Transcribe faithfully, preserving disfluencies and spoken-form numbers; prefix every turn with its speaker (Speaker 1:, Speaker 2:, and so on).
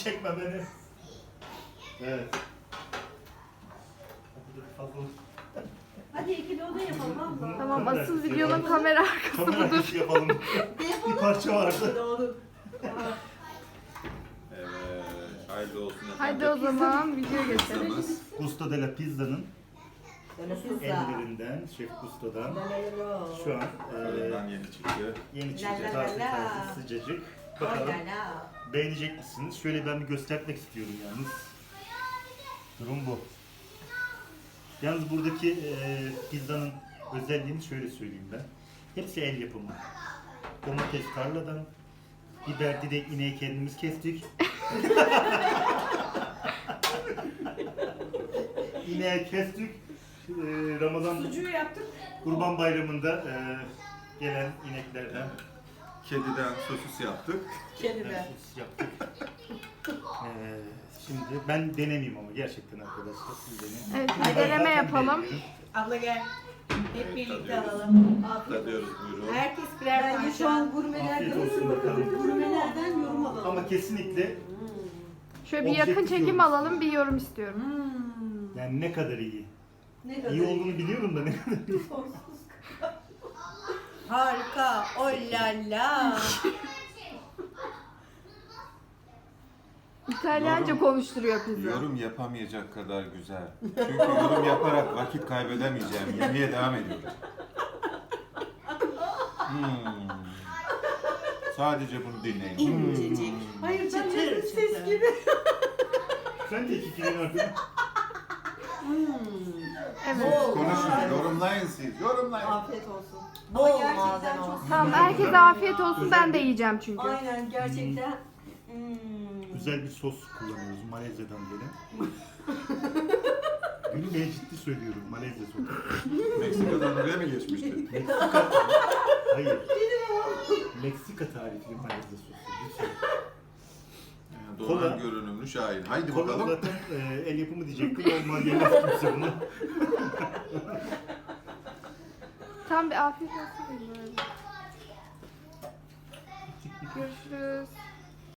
Speaker 1: Çekme beni. Evet.
Speaker 2: Hadi ikili oda yapalım abla.
Speaker 3: Tamam,
Speaker 1: Kamera
Speaker 3: asıl
Speaker 1: arkası
Speaker 3: videonun
Speaker 1: yapalım.
Speaker 3: kamera arkası
Speaker 1: Kamera
Speaker 3: budur.
Speaker 1: arkası yapalım. Bir parça vardı.
Speaker 2: Olur.
Speaker 4: Evet. Hayırlı olsun efendim.
Speaker 3: Haydi o zaman video geçelim.
Speaker 4: Pizzamız.
Speaker 1: Gusto de la Pizza'nın
Speaker 2: Pizza.
Speaker 1: ellerinden, Şef Gusto'dan şu an
Speaker 4: Fırından
Speaker 1: e,
Speaker 4: yeni çıktı.
Speaker 1: yeni
Speaker 2: La
Speaker 1: çıktı,
Speaker 2: la
Speaker 1: taze
Speaker 2: la la.
Speaker 1: taze sıcacık.
Speaker 2: Ay
Speaker 1: Bakalım
Speaker 2: la la.
Speaker 1: beğenecek misiniz? Şöyle ben bir göstermek istiyorum yalnız. Durum bu. Yalnız buradaki e, pizzanın özelliğini şöyle söyleyeyim ben. Hepsi el yapımı. Domates tarladan, biber de ineği kendimiz kestik. İneği kestik. E, Ramazan
Speaker 2: Sucuğu yaptık.
Speaker 1: Kurban Bayramı'nda e, gelen ineklerden
Speaker 4: Kediden sosis yaptık.
Speaker 2: Kedime.
Speaker 1: sos yaptık. E, şimdi ben denemeyeyim ama gerçekten arkadaşlar siz deneyin.
Speaker 3: Evet,
Speaker 1: Ben
Speaker 3: bir deneme
Speaker 1: zaten
Speaker 3: yapalım.
Speaker 1: beğeniyorum.
Speaker 2: Abla gel. Hep
Speaker 4: Evet,
Speaker 2: birlikte
Speaker 4: tadıyoruz.
Speaker 2: alalım. Afiyet
Speaker 4: Tadıyoruz
Speaker 2: olsun.
Speaker 4: buyurun.
Speaker 2: Herkes birer
Speaker 5: Bence
Speaker 2: parça.
Speaker 5: şu an gurmelerden,
Speaker 1: Afiyet olsun bakalım.
Speaker 5: gurmelerden yorum alalım.
Speaker 1: Ama kesinlikle
Speaker 3: Şöyle bir yakın
Speaker 1: Objektif
Speaker 3: çekim
Speaker 1: yorum.
Speaker 3: alalım, bir yorum istiyorum.
Speaker 2: Hmm.
Speaker 1: yani ne kadar iyi.
Speaker 5: Ne kadar
Speaker 1: İyi olduğunu biliyorum da ne kadar iyi.
Speaker 2: Harika. Oh la la.
Speaker 3: İtalyanca
Speaker 4: Yorum.
Speaker 3: konuşturuyor pizza.
Speaker 4: Yorum yapamayacak kadar güzel. Çünkü yorum yaparak vakit kaybedemeyeceğim. Yemeğe devam ediyorum. Hmm. Sadece bunu dinleyin.
Speaker 2: İncecik.
Speaker 4: Hmm.
Speaker 5: Hayır,
Speaker 2: Çıtır
Speaker 5: çıtır
Speaker 2: çıtır.
Speaker 5: ses gibi.
Speaker 1: Sen de iki kelime artık.
Speaker 3: Evet.
Speaker 2: Bol.
Speaker 4: Konuşun, yorumlayın siz. Yorumlayın.
Speaker 5: Afiyet olsun.
Speaker 2: Bol
Speaker 5: Ama gerçekten
Speaker 2: malzeme
Speaker 5: çok
Speaker 2: olsun.
Speaker 3: Tamam, herkese afiyet olsun, ben de yiyeceğim çünkü.
Speaker 5: Aynen, gerçekten. Hmm.
Speaker 1: Güzel bir sos kullanıyoruz Malezya'dan gelen. Gülmeye ciddi söylüyorum Malezya sosu.
Speaker 4: Meksika'dan oraya mı geçmişti?
Speaker 1: Meksika... Hayır. Meksika tarifli Malezya sosu. Lütfen.
Speaker 4: Yani Donan
Speaker 1: Kola.
Speaker 4: görünümlü şahin. Haydi
Speaker 1: Kola
Speaker 4: bakalım.
Speaker 1: zaten e, el yapımı diyecektim. Olmaz yemez kimse bunu.
Speaker 3: Tam bir afiyet olsun. Görüşürüz.